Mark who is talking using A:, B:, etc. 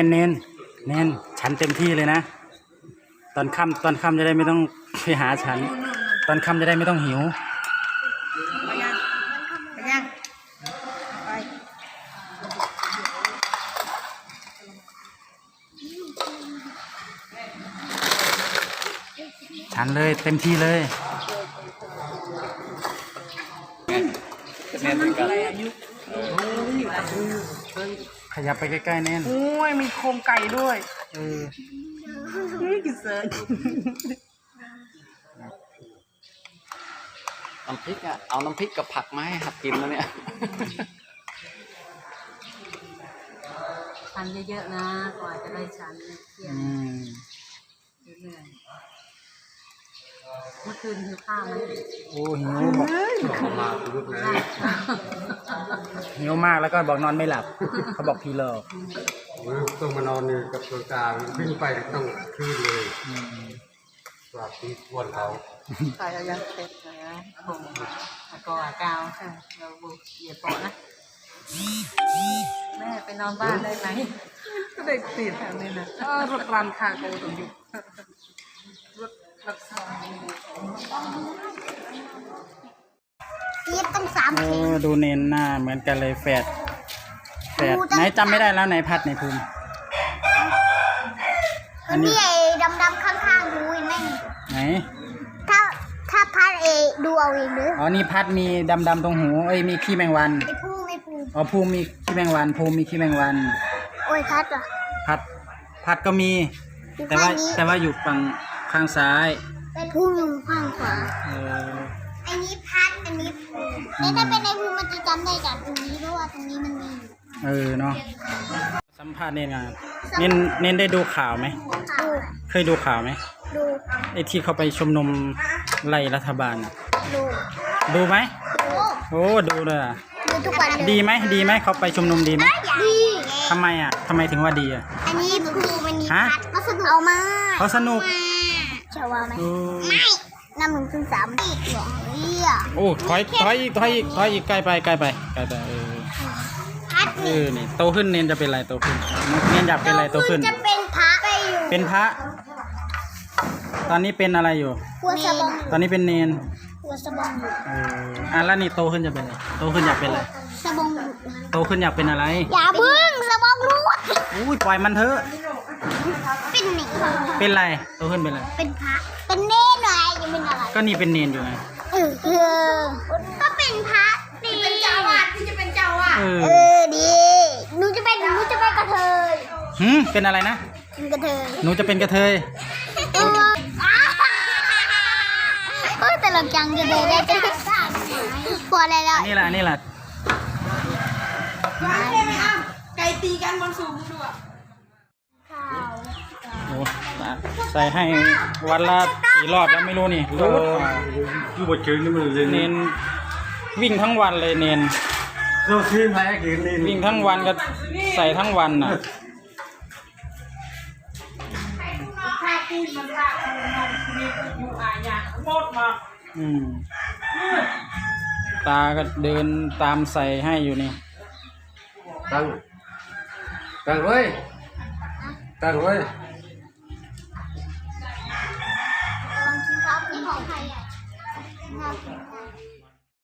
A: เน้นฉันเต็มที่เลยนะตอนค่ำจะได้ไม่ต้องไปหาฉันตอนค่ำจะได้ไม่ต้องหิว
B: ไปยังไป
A: ฉันเลยเต็มที่เลยขยับไปใกล้ๆแน่น
B: โอ้ยมีโครงไก่ด้วยกินเสิร์ฟ
C: น้ำพริกอ่ะเอาน้ำพริกกับผักมาให้หัดกินแล้วเนี่ย
D: ชันเยอะๆนะกว่าจะได้ชันเที่ยงเหนื่อยเมื่อคืนหิวข้าวไหม
A: โอ้หิวบอกหิวมากแล้วก็บอกนอนไม่หลับเขาบอกพีเลิก
E: ต้องมานอนนี่กับตัวตาวิ่งไปต้องคืนเลยกว่าที่วันเขา
D: ใส่เอายังเสร็จนะผมก็กาวเราบุกเหยียบปอนะแม่ไปนอนบ้านได้ไหม
B: ก็ได้ติดแถวนี้นะรถรันคาโกตรงอยู่รถรักษา
F: ตีตั้ง3
A: ดูเน้นหน้าเหมือนกันเลยแฝดไหนจำไม่ได้แล้วไหนพัดไหนภูมิ
F: อันนี้ไอ้ดำๆข้างๆดูเห็นไหม
A: ไหน
F: ถ้าพัดดูเอาเองหรือ
A: อ๋อนี่พัดมีดำตรงหูมีขี้แมงวัน
F: ไอ้ภู
A: อ๋อภูมิมีขี้แมงวันภูมิมีขี้แมงวัน
F: โอ้ยพัดอ่ะ
A: พัดก็มีแต่ว่าอยู่ฝั่งข้างซ้าย
F: เป็นภูมิข้างขวาอันนี้พัดอันนี้ภูมิถ้าเป็นไอ้ภูมิมันจะจำได้จากตรงนี้เพราะว่าตรงนี้มันมี
A: เนาะสัมภาษณ์เน้นงานเน้นได้ดูข่าวไหมเคยดูข่าวไหม
F: ดู
A: ไอ้ที่เขาไปชุมนุมไล่รัฐบาลดูไหมโอ้ดูเลย
F: ดูทุกวันเลย
A: ดีไหมเขาไปชุมนุมดีไหม
F: ดี
A: ทำไมถึงว่าดี
F: อันนี้ภูมิพัดเขาสนุกเอามา
A: เขาสนุก
F: เชื่อว่าไหมไม่1 2 3อีกเหรอ
A: โอ้ถอยอีกใกล้ไปพัดนี่โตขึ้นเน้นจะเป็นอะไรโตขึ้นเน้นอยากเป็นอะไรโตขึ้น
F: จะเป็นพระ
A: เป็นพระตอนนี้เป็นอะไรอยู่
F: หัวสะบอง
A: ตอนนี้เป็นเนน
F: หัวสะบอง
A: แล้วนี่โตขึ้นจะเป็นอะไรโตขึ้นอยากเป็นอะไร
F: สะบอง
A: โตขึ้นอยากเป็นอะไร
F: อย่าพึ่งสะบองรูด
A: อุ้ยปล่อยมันเถอะ
F: เป็นหนิ
A: เป็นอะไรโตขึ้นเป็นอะไร
F: เป็นพระเป็นเนนหน่อยยังเป็นอะไร
A: ก็นี่เป็นเนนอยู่ไง
F: ก็เป็นพระดีเป็นเจ้าอ่ะที่จะเป็นเจ้าอ่ะดีหนูจะเป็นกระเทย
A: เป็นอะไรนะ
F: เป็นกระเทย
A: หนูจะเป็นกระเทย
F: แต่หลังจังจะเดินได้จะพอแล้ว
A: นี่แหละ
B: ไก่ตีกันบนสูงด้วย
A: โอ้ใส่ให้วันละ4 รอบแล้วไม่รู้นี่รู้
E: อยู่บนเชิงนี่มันเลย
A: เน้นวิ่งทั้งวันเลยเน้น
E: เราทีมแพ้กินเน้น
A: วิ่งทั้งวันก็ใส่ทั้งวันน่ะตาก็เดินตามใส่ให้อยู่นี่
E: ตั้งไว้
F: ลองชิมครับนี่ของใครอ่ะ